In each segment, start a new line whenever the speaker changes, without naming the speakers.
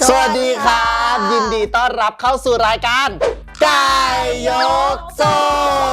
สวัสดีครับยินดีต้อนรับเข้าสู่รายการไก่ยกทรง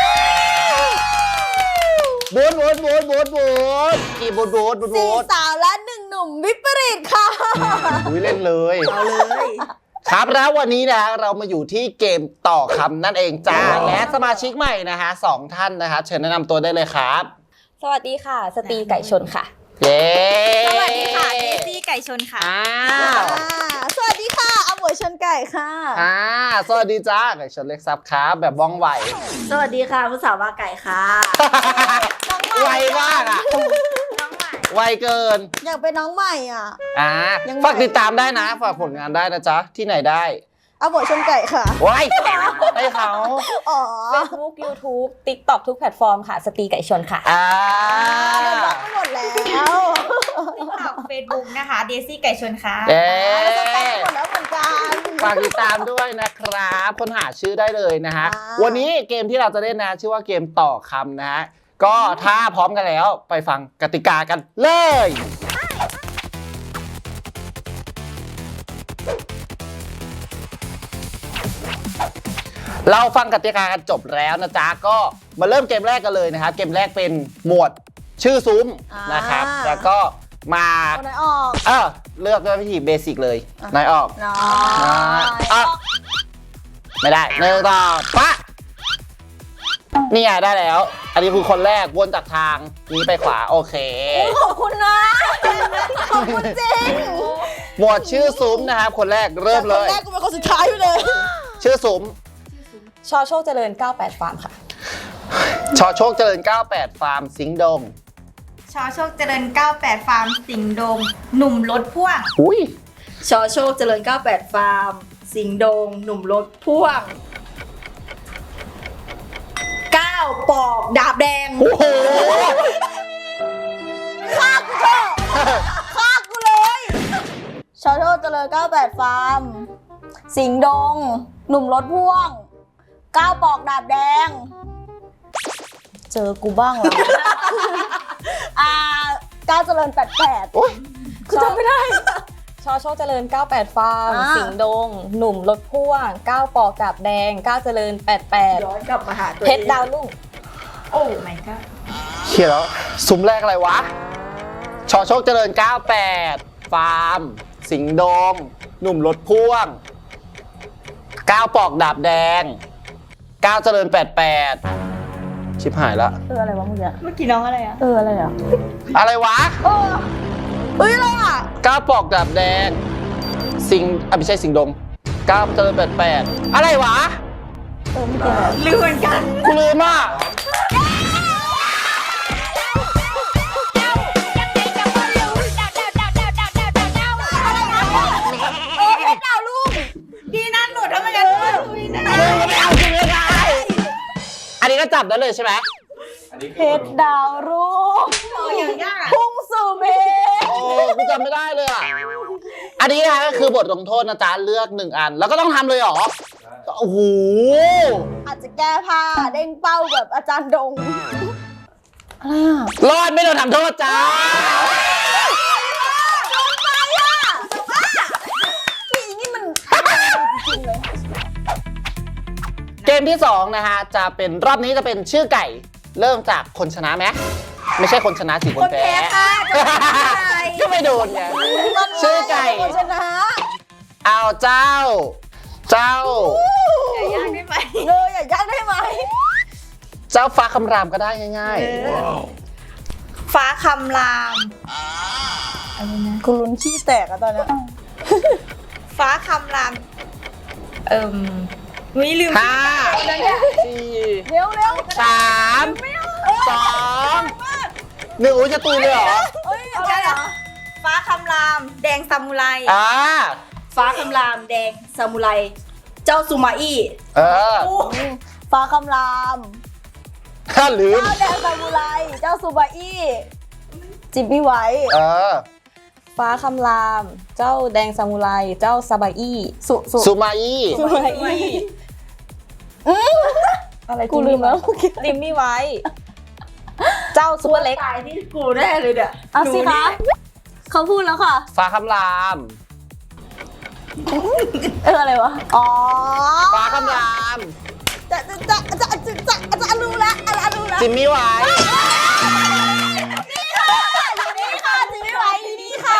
บูดกี่บูด
สี่สาวและหนึ่งหนุ่มวิปริตค่ะ
อุ้ยเล่นเลยเอาเลยครับแล้ววันนี้นะเรามาอยู่ที่เกมต่อคำนั่นเองจ้าและสมาชิกใหม่นะฮะ2 ท่านนะคะเชิญแนะนำตัวได้เลยครับ
สวัสดีค่ะสตรีไก่ชนค่ะ
เย้
สวัสดีค่ะเดซี่ไก่ชนค่ะ
สวัสดีค่ะอมวยชนไก่ค่ะ
สวัสดีจ้าไก่ชนเล็กซับครับแบบว่องไว
สวัสดีค่ะผู้สาวว่าไก่ค่ะ
ไวมากอ่ะ
น้องใหม่
ไวเกิน
อยากเป็นน้องใหม่อ่ะ ยังไง
ฝากติดตามได้นะฝากผลงานได้นะจ๊ะที่ไหนได้
อมวยชนไก่ค่ะ
ไว้ให้เขา
อ๋อ
Facebook YouTube TikTok ทุกแพลตฟอร์มค่ะสตรีไก่ชนค่ะ
โดนบล็อกหมดแล้ว
เฟซบุ๊กนะคะเดซี่ไก่ชนค่ะ
เย้
สแปมหมดแล้วเหมือนกัน
ฝากติดตามด้วยนะครับค้นหาชื่อได้เลยนะฮะวันนี้เกมที่เราจะเล่นนะชื่อว่าเกมต่อคำนะฮะก็ถ้าพร้อมกันแล้วไปฟังกติกากันเลยเราฟังกติกากันจบแล้วนะจ๊ะก็มาเริ่มเกมแรกกันเลยนะครับเกมแรกเป็นหมวดชื่อซุ้มนะครับแล้วก็มา
คนไหนออก
เลือกด้วยวิธีเบสิกเลยนายออก
น้อย
ไม่ได้เนื้อต่อปะนี่ไงได้แล้ว อันนี้คือคนแรกวนจากทางนี้ไปขวาโอเค
ขอบคุณนะ ขอบคุณจริง
หมวดชื่อซุ้มนะครับคนแรกเริ่มเลย
คนแรกกูเป็นคนสุดท้ายอยู่เลย
ชื่อซุ้ม
ชอโชคเจริญ 98 ฟาร์มค่ะ
ชอโชคเจริญ 98 ฟาร์มสิงห์ดง
ชอโชคเจริญ 98 ฟาร์มสิงห์ดง หนุ่มรถพ่วง
อุ้ย
ชอโชคเจริญ 98 ฟาร์ม สิงห์ดง หนุ่มรถพ่วง 9 ปอกดาบแดง
โอ้โห
ฆ่ากูเลย ชอโชคเจริญ98 ฟาร์ม สิงห์ดง หนุ่มรถพ่วง 9 ปอกดาบแดง เจอกูบ้างแล้ว ก้าวเจริญ88
โอ้ย
กูจำไม่ได้
ชอโชคเจริญ 98 ฟาร์ม
อ่า
สิงห์ดง หนุ่มรถพ่วง 9 ปอกกาบแดง 9 เจริญ
ย้อนกลับมาหาตัว
88 เพชรดาวรุ่ง
โอ้ my god
เขียนแล้วซุ้มแรกอะไรวะชอโชคเจริญ 98 ฟาร์ม สิงห์ดง หนุ่มรถพ่วง 9 ปอกดาบแดง 9 เจริญ 88 ชิบหายละ
อะไรวะเมื่อกี้
เมื่อกี้น้องอะไรอะ
อะไรอ่ะ
อะไรวะ
เฮ้ยอะไรอ่ะ
9 ปอกดาบแดง ไม่ใช่สิงห์ดง 9 เจริญ 88 อะไรวะ
เมื่อกี้อะไร
ลืมเหมือนกัน
กูลืมอ่ะ
เพชรดาวรุ่ง
พี่นั่นหนูทำไมกันคุยนะ
ไม่เอาจริงเลยไงอันนี้ก็จับได้เลยใช่ไหม
เพชรดาวรุ่ง
โอ้ยังยากอะ
พุ่งสู่เพชร
โอ้กูจำไม่ได้เลยอ่ะ อันนี้นะก็คือบทลงโทษนะจ๊ะเลือก1 อัน แล้วก็ต้องทำเลยเหรอ โอ้โห
อาจจะแก้ผ้าเด้งเป้าแบบอาจารย์ดง อะไรอ่ะ
รอดไม่โดนทำโทษจ้า
พี่นี่มันจริงๆเลย
เกมที่2นะฮะจะเป็นรอบนี้จะเป็นชื่อไก่ เริ่มจากคนชนะไหมไม่ใช่คนชนะสิคนแพ้ ก็ไม่โดนไง ชื่อไก่
คนชนะ
เอาเจ้า
อย่ายากได้ไหม
เลยอย่ายากได้ไหม
เจ้าฟ้าคำรามก็ได้ง่าย
ฟ้าคำราม
กูลุ้นขี้แตกอะตอนเนี้ย
ฟ้าคำราม วิลืม
ๆ 5 4
เร็ว
3 2 1อุ้ยจะตุยเลยเหรอ
เอ้ย
เอาได้เหรอฟ้าคำราม แดงซามูไร
ฟ้าคำรามแดงซามูไร เจ้าซูมาอี้
เออ
ฟ้าคำราม
ถ้าลืม
เจ้าแดงซามูไรเจ้าซูบาอี้จิบบี้ไว้
เออ
ฟ้าคำราม เจ้าแดงซามูไร เจ้าซาบาอี้
ซูมาอี้
ซูบาอี้อะไร
กูลืมแล้ว
ริมมี่ไว้ เจ้าซุปเปอร์เล็ก
ตายที่กูแน่เลยเนี่ย
เอาสิคะเขาพูดแล้วค่ะ
ฟ้าคำราม
อะไรวะ อ๋อ
ฟ้าคำราม
จะรู้ละรู้ละ
จิมมี่ไว้
นี่ค่ะจิไม่ไหวนี่ค่ะ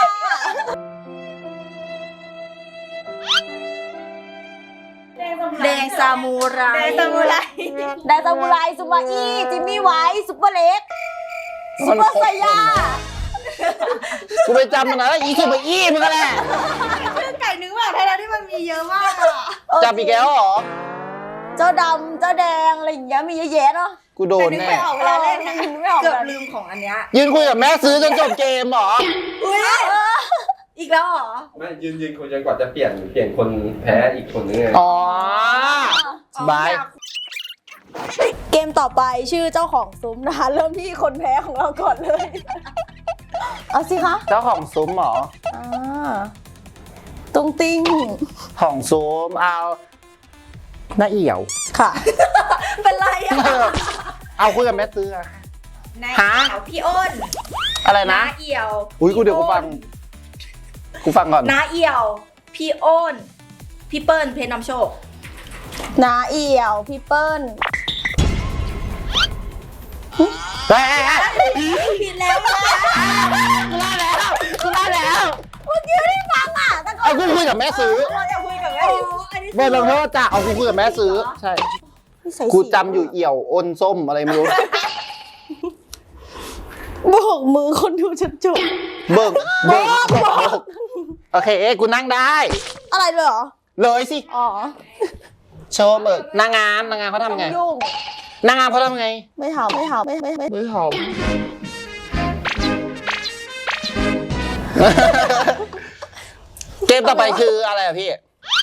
แดงซามูไร
แดงซามูไร
ไดซามูไรซูมาอี้จิมมี่ไว้ซุปเปอร์เล็กซุปเปอร์ไซยา
กูไปจำมันนะอีสุมาอี้มันก็แหละ
ชื่อไก่นึกว่าไทยแล้วที่มันมีเยอะมากอะ
จำอีกแล้วเหรอ
เจ้าดำเจ้าแดงอะไรอย่างเงี้ยมีเยอะแยะเนาะ
กูโดน
นึก
แน่
ไม่ออกเวลาเล่นนะ
ไม่ออก
เกือบลืมของอันเนี้ย
ยืนคุยกับแม่ซื้อจนจบเกมเหรอ
อุ้ยอีกแล้วเหรอ
ไม่ยืนคุยจนกว่าจะเปลี่ยนคนแพ้อีกคนนึงไง
อ๋อ สบาย
เกมต่อไปชื่อเจ้าของซุ้มนะคะเริ่มที่คนแพ้ของเราก่อนเลย เอาสิคะ
เจ้าของซุ้มเหรอ
ตุ้งติ้ง
ของซุ้มเอาหน้าเอี่ยว
ค่ะ
เป็นไรอะ
เอาคุยกับแม่ซื้ออะ
นาย
ฮะ
เอี่ยวพี่อ้น
อะไรนะ
น้าเอี่ยว
อุ้ยกูเดี๋ยวกูฟังก่อน
น้าเอี่ยว พี่อ้น พี่เปิ้ลเพชรนำโชค
นาเอี่ยวพี่เปิ้ล
เฮ้ย
ผิดแล้วนะ
กูได้แล้ว
เมื่อกี้ไม่ได้ฟังอ่ะแต่ก็
เอากูคุยกับแม่ซื้อ
เราจะคุยกับแม่อันนี้
เบอร์ลงโทษจ้ะเอากูคุยกับแม่ซื้อ ใช่ กูจำอยู่เอี่ยวอ้นส้มอะไรไม่รู้
โบกมือคนดูจนจบ
เบิกโอเคกูนั่งได้
อะไรเลยเหรอ
เลยสิ
อ๋อ
โชว์เบิกนางงามเขาทำไง
ยุ่ง
นางงามเขาทำไง
ไม่ทำไม่ทำไม่
ไม่หอม เกมต่อไปคืออะไรอะพี่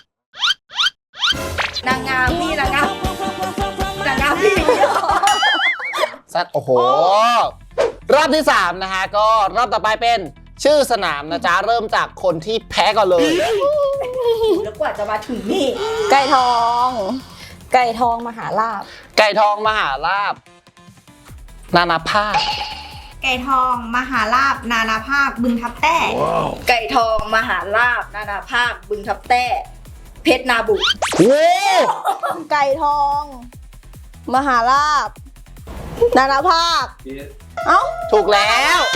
นางงามพี่นางงามพี่
สัตว์โอ้โห รอบที่ 3 นะฮะ ก็รอบต่อไปเป็นชื่อสนามนะจ๊ะ เริ่มจากคนที่แพ้ก่อนเลย
แล้วกว่าจะมาถึงนี่
ไก่ทอง
ไก่ทองมหาลาภ
ไก่ทองมหาลาบ นานาภาค
ไก่ทองมหาลาบนานาภาคบึงทับแต้
ไก่ทองมหาลาบนานาภาคบึงทับแต้ เพชรนาบุ
โอ้
ไก่ทอง มหาลาบ นานาภาค เอ้า
ถูกแล้ว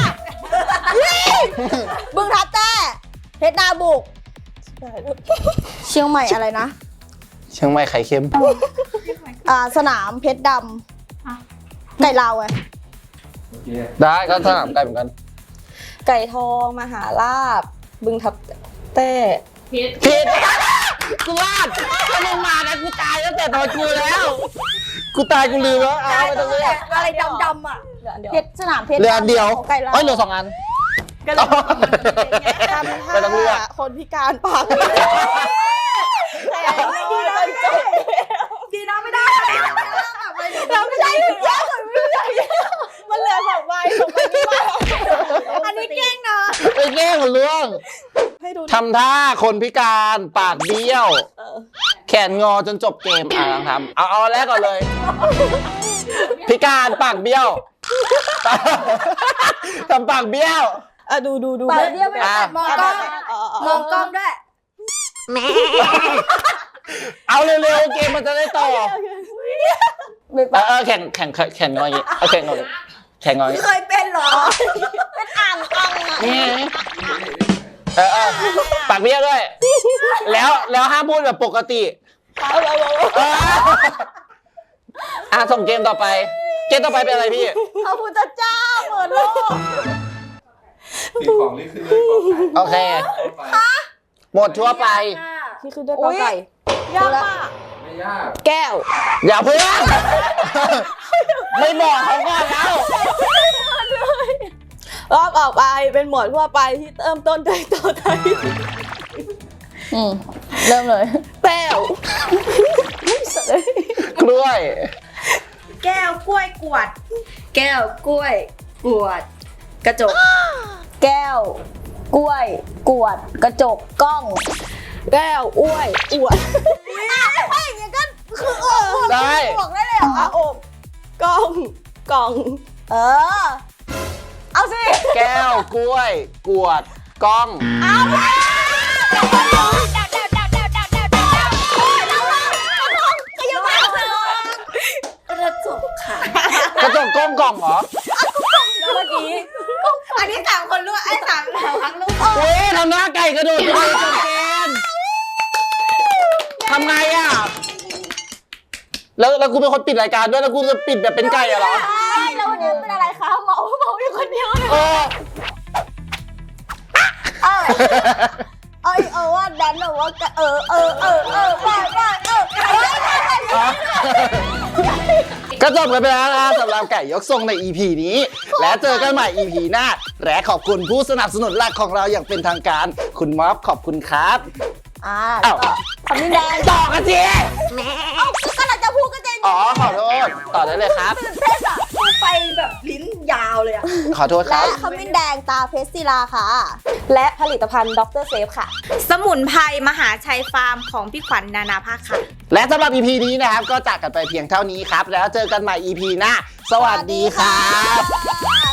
บึงทับแต้เพชรนาบุก เชียงใหม่อะไรนะ
เชียงใหม่ไข่เค็ม
สนามเพชรดำ ไก่ลาวไง
ได้ก็สนามไก่เหมือนกัน
ไก่ทองมหาลาภบึงทับแต้
ผิดกูวาดถ้ามึงมานะกูตายตั้งแต่ตอนกูแล้ว กูตายกูลืมแล้วเอาไปตรงนี้
อะไรดำๆอ่ะ
เหลืออันเดียว
เพชรสนามเพชร
เหลืออันเดียว
ของไก่ลาว
เอ้ยเหลือ2 อัน
ก็เลย
ไม่ต้องเลือก
คนพิการปาก
ดีนะไม่ได้
เราไม่ใช่ถึงแย่ไม่ใช่มันเหลือ2 ใบไม่มา
อันนี้เก่งเนาะ
ไปแก้คนล่วง
ให้ดู
ทำท่าคนพิการปากเบี้ยว แขนงอจนจบเกมลองทำเอาแรกก่อนเลย พิการปากเบี้ยว ทำปากเบี้ยว
ดู
ปากเดียวไม่ได้
มองกล้องมองกล้องด้วย
เอาเร็วๆเกมมันจะได้ต่อ
ไม่ปาก
แข่งงออย่างงี้เอาแข่งงออย่างงี้แข่งงออย่างงี้
เคยเป็นเหรอ
เป็นอ่างอ่างอ่ะ
นี่ปากเบี้ยวด้วย แล้วห้ามพูดแบบปกติส่งเกมต่อไป เกมต่อไปเป็นอะไรพี่
พระพุทธเจ้าเปิดโลก
คือของนี่คือเลยของขาย
โอเค หมดทั่วไป
ที่คือด้วยกอไก่
ยากมาก
ไม่ยาก
แก้ว
อย่าเพิ่ง ไม่บอกเขาก่อนแล้ว
รอบออกไปเป็นหมวดทั่วไปที่เริ่มต้นด้วยตัวไทย
เริ่มเลย
แป้ว
กล้วย
แก้วกล้วยกวด
แก้วกล้วยกวด กระจก
แก้ว กล้วย กวด กระจก กล้อง
แก้วอ้วยอวด
ไม่อย่างนี้ก็คือ
ได้
บอกได้เลยเหรอ
อบกล้องกล่อง
เอาสิ
แก้ว กล้วย กวด กล้อง
เอาเลย
ำหน้าไก่กระโดดไปจบเกมทำไงอ่ะแล้วกูเป็นคนปิดรายการด้วยแล้วกูจะปิดแบบเป็นไก่อะเหรอ
ใช่แล้ววันนี้เป็นอะไรคะเมาอยู่คนเดียวเลย
เออ
ว่าดันแบบว่า
ก็จบกันไปแล้วนะสำหรับไก่ยกทรงใน EP นี้ และเจอกันใหม่ EP หน้า และขอบคุณผู้สนับสนุนหลักของเราอย่างเป็นทางการ คุณม็อบขอบคุณครับ
แล้วก็คำนี้แดง
ต่อกันสิ
ก็เราจะพูดก็จะ
อ๋อขอโทษต่อได้เลยครับ
ตื่นเต้นอ่ะ
พูดไปแบบลิ้นยาวเลยอะ
ขอโทษค
และ
รับ
คำนี้แดงตาเพชรศิลาค่ะ
และผลิตภัณฑ์ดรเซฟค่ะ
สมุนไพรมหาชัยฟาร์มของพี่ขวัญนานาภาคค่ะ
และสำหรับ EP นี้นะครับ ก็จากกันไปเพียงเท่านี้ครับ แล้วเจอกันใหม่ EP หน้า สวัสดีครับ